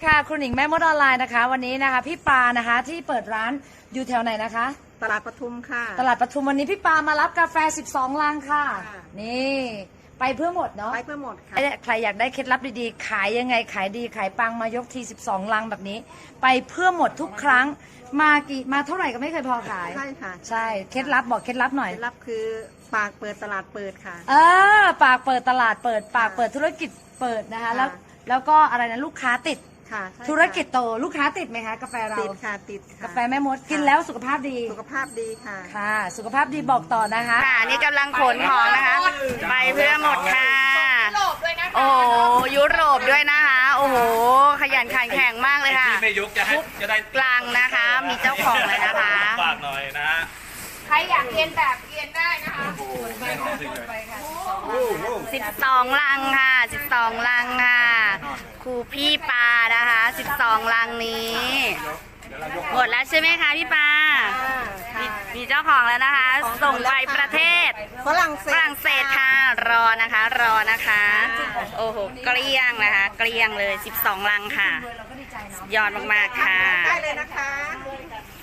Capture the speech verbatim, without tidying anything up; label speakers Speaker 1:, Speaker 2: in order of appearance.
Speaker 1: ค่ะครูหนิงแม่มดออนไลน์นะคะวันนี้นะคะพี่ปานะคะที่เปิดร้านอยู่แถวไหนนะคะ
Speaker 2: ตลาดปทุมค่ะ
Speaker 1: ตลาดปทุมวันนี้พี่ปามารับกาแฟสิบสองลังค่ะ
Speaker 2: ค่ะ
Speaker 1: นี่ไปเพื่อหมดเนาะ
Speaker 2: ไปเพื่อหมดค่ะ
Speaker 1: ใครอยากได้เคล็ดลับดีๆขายยังไงขายดีขายปังมายกทีสิบสองลังแบบนี้ ไปเพื่อหมดทุกครั้งมากี่มาเท่าไหร่ก็ไม่เคยพอขาย
Speaker 2: ใช่ค่ะ
Speaker 1: ใช่เคล็ดลับบอกเคล็ดลับหน่อย
Speaker 2: เคล็ดลับคือปากเปิดตลาดเปิดค่ะ
Speaker 1: เออปากเปิดตลาดเปิดปากเปิดธุรกิจเปิดนะคะแล้วแล้วก็อะไรนะลูกค้าติด
Speaker 2: ค่ะ
Speaker 1: ธุรกิจโตลูกค้าติดไหมคะกาแฟเรา
Speaker 2: ติดค่ะติดค่ะ
Speaker 1: กาแฟแม่มดกินแล้วสุขภาพดี
Speaker 2: สุขภาพดีค่ะ
Speaker 1: ค่ะสุขภาพดีบอกต่อนะคะ
Speaker 3: ค่ะนี่กำลังขนของนะคะไปเพื่อหมดค่ะโอ้ยุโรปด้วยนะคะโอ้โหขยันขันแข็งมากเลยค่ะ
Speaker 4: ที่ไม่ยุกจะให้จะได้
Speaker 3: กลางนะคะมีเจ้าของเลยนะคะ
Speaker 4: ฝากหน่อยนะฮะ
Speaker 3: ใครอยากเรียนแบบเรียนได้นะคะสิบสองลังค่ะสิบสองลังค่ะครูพี่ปานะคะสิบสองลังนี้หมดแล้วใช่ไหมคะพี่ปามีมีเจ้าของแล้วนะคะ ส่งไปประเทศ
Speaker 2: ฝรั่งเศ
Speaker 3: ฝ
Speaker 2: ส
Speaker 3: รั่งเศสค่ะรอนะคะรอนะคะโอ้โหเกลี้ยงนะคะ เกลี้ยงเลยสิบสองลังค่ะยอดมากๆค่ะ
Speaker 2: ได้เลยนะคะ